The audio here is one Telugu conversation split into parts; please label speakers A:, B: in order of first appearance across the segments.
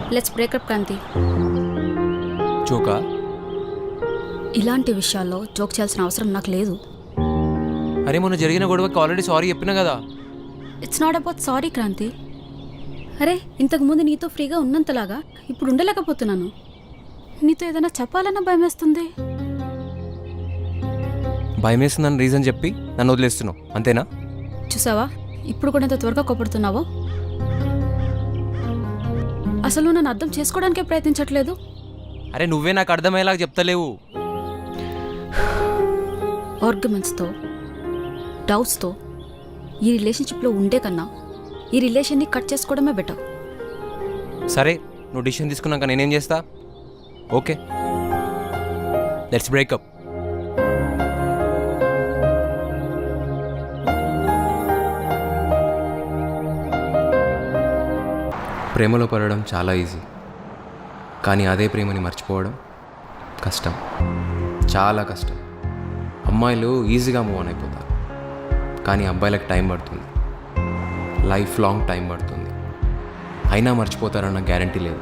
A: Let's breakup Kranti.
B: జోకా?
A: ఇలాంటి విషయాల్లో జోక్ చేయాల్సిన అవసరం నాకు లేదు.
B: అరే మొన్న జరిగిన గొడవకి ఆల్రెడీ సారీ చెప్పినా కదా.
A: It's not about sorry Kranti. అరే ఇంతకుముందు నీతో ఫ్రీగా ఉన్నంతలాగా ఇప్పుడు ఉండలేకపోతున్నాను. నీతో ఏదైనా చెప్పాలన్నా భయం వేస్తుంది.
B: భయం వేస్తుందని రీజన్ చెప్పి నన్ను వదిలేస్తున్నావు అంతేనా?
A: చూసావా ఇప్పుడు కూడా ఎంత త్వరగా కోపడుతున్నావో. అసలు నన్ను అర్థం చేసుకోవడానికే ప్రయత్నించట్లేదు.
B: అరే నువ్వే నాకు అర్థమయ్యేలాగా చెప్తలేవు.
A: ఆర్గ్యుమెంట్స్తో డౌట్స్తో ఈ రిలేషన్షిప్లో ఉండే కన్నా ఈ రిలేషన్ని కట్ చేసుకోవడమే బెటర్.
B: సరే నువ్వు డిసిషన్ తీసుకున్నాక నేనేం చేస్తా? Okay let's breakup. ప్రేమలో పడడం చాలా ఈజీ, కానీ అదే ప్రేమని మర్చిపోవడం కష్టం, చాలా కష్టం. అమ్మాయిలు ఈజీగా మూవ్ ఆన్ అయిపోతారు, కానీ అబ్బాయిలకు టైం పడుతుంది, లైఫ్ లాంగ్ టైం పడుతుంది. అయినా మర్చిపోతారన్న గ్యారంటీ లేదు.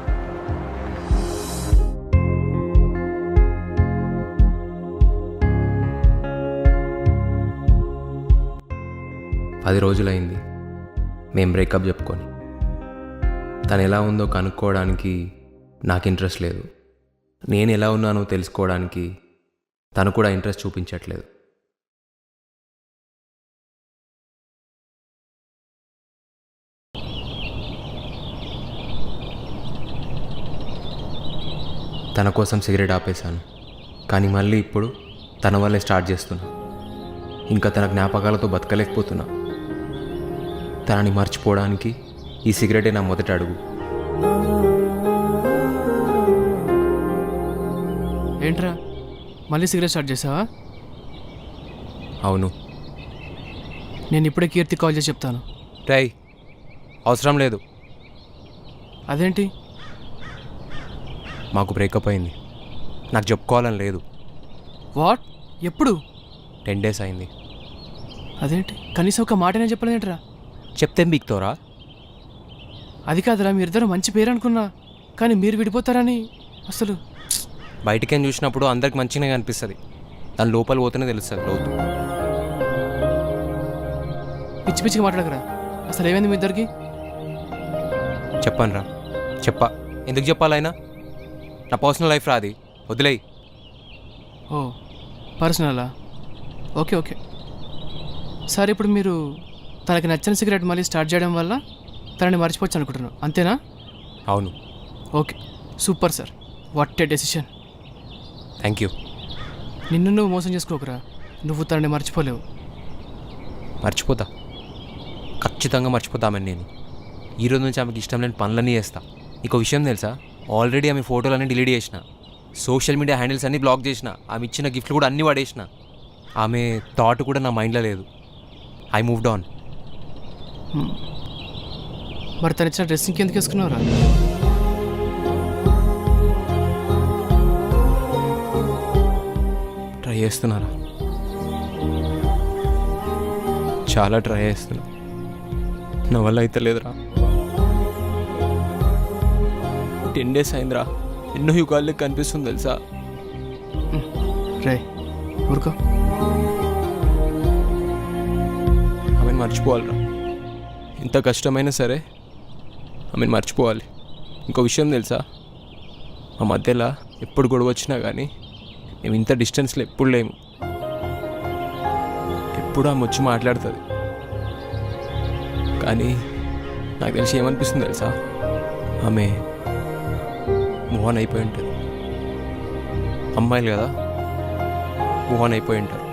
B: పది రోజులైంది మేము బ్రేకప్ చెప్పుకొని. తను ఎలా ఉందో కనుక్కోవడానికి నాకు ఇంట్రెస్ట్ లేదు, నేను ఎలా ఉన్నానో తెలుసుకోవడానికి తను కూడా ఇంట్రెస్ట్ చూపించట్లేదు. తన కోసం సిగరెట్ ఆపేశాను, కానీ మళ్ళీ ఇప్పుడు తన వల్లే స్టార్ట్ చేస్తున్నా. ఇంకా తన జ్ఞాపకాలతో బతకలేకపోతున్నా. తనని మర్చిపోవడానికి ఈ సిగరెటే నా మొదటి అడుగు.
C: ఏంట్రా మళ్ళీ సిగరెట్ స్టార్ట్ చేసావా?
B: అవును.
C: నేను ఇప్పుడే కీర్తి కాల్ చేసి చెప్తాను.
B: రై అవసరం లేదు.
C: అదేంటి?
B: మాకు బ్రేకప్ అయింది, నాకు చెప్పుకోవాలని లేదు.
C: వాట్? ఎప్పుడు?
B: 10 days అయింది.
C: అదేంటి కనీసం ఒక మాటనే చెప్పలేదేంట్రా?
B: చెప్తే బీక్తోరా?
C: అది కాదురా, మీరిద్దరు మంచి పేరు అనుకున్నా, కానీ మీరు విడిపోతారని అసలు.
B: బయటికేం చూసినప్పుడు అందరికి మంచిగానే కనిపిస్తుంది, దాని లోపల పోతేనే తెలుస్తుంది లోతు.
C: పిచ్చి పిచ్చిగా మాట్లాడకరా. అసలు ఏమైంది మీ ఇద్దరికి?
B: చెప్పాను రా, ఎందుకు చెప్పాలైనా? నా పర్సనల్ లైఫ్ రాది, వదిలేయి.
C: ఓ పర్సనలా? ఓకే ఓకే సరే. ఇప్పుడు మీరు తనకి నచ్చిన సిగరెట్ మళ్ళీ స్టార్ట్ చేయడం వల్ల తనని మర్చిపోవచ్చు అనుకుంటున్నాను, అంతేనా?
B: అవును.
C: Okay super sir, what a decision.
B: Thank you.
C: నిన్ను నువ్వు మోసం చేసుకోకరా, నువ్వు తనని మర్చిపోలేవు.
B: మర్చిపోతా, ఖచ్చితంగా మర్చిపోతామని. నేను ఈరోజు నుంచి ఆమెకి ఇష్టం లేని పనులన్నీ చేస్తా. నీకు విషయం తెలుసా? ఆల్రెడీ ఆమె ఫోటోలన్నీ డిలీట్ చేసిన, సోషల్ మీడియా హ్యాండిల్స్ అన్నీ బ్లాక్ చేసిన, ఆమె ఇచ్చిన గిఫ్ట్లు కూడా అన్నీ పడేసిన. ఆమె థాట్ కూడా నా మైండ్లో లేదు. I moved on.
C: మరి తను ఇచ్చిన డ్రెస్ ఇంకెందుకు వేసుకున్నావురా?
B: ట్రై చేస్తున్నారా? చాలా ట్రై చేస్తున్నా, నా వల్ల అయితే లేదురా. 10 days అయిందిరా, ఎన్నో యుగాలకి కనిపిస్తుంది తెలుసా?
C: రే ఊరుకో.
B: ఆమెను మర్చిపోవాలిరా, ఎంత కష్టమైనా సరే ఆమెను మర్చిపోవాలి. ఇంకో విషయం తెలుసా? మా మధ్యలో ఎప్పుడు గొడవ వచ్చినా కానీ మేము ఇంత డిస్టెన్స్లో ఎప్పుడు లేము. ఎప్పుడు ఆమె వచ్చి మాట్లాడుతుంది, కానీ నాకు తెలిసి ఏమనిపిస్తుంది తెలుసా? ఆమె మూవ్ ఆన్ అయిపోయి ఉంటుంది. అమ్మాయిలు కదా, మూవ్ ఆన్ అయిపోయి ఉంటారు.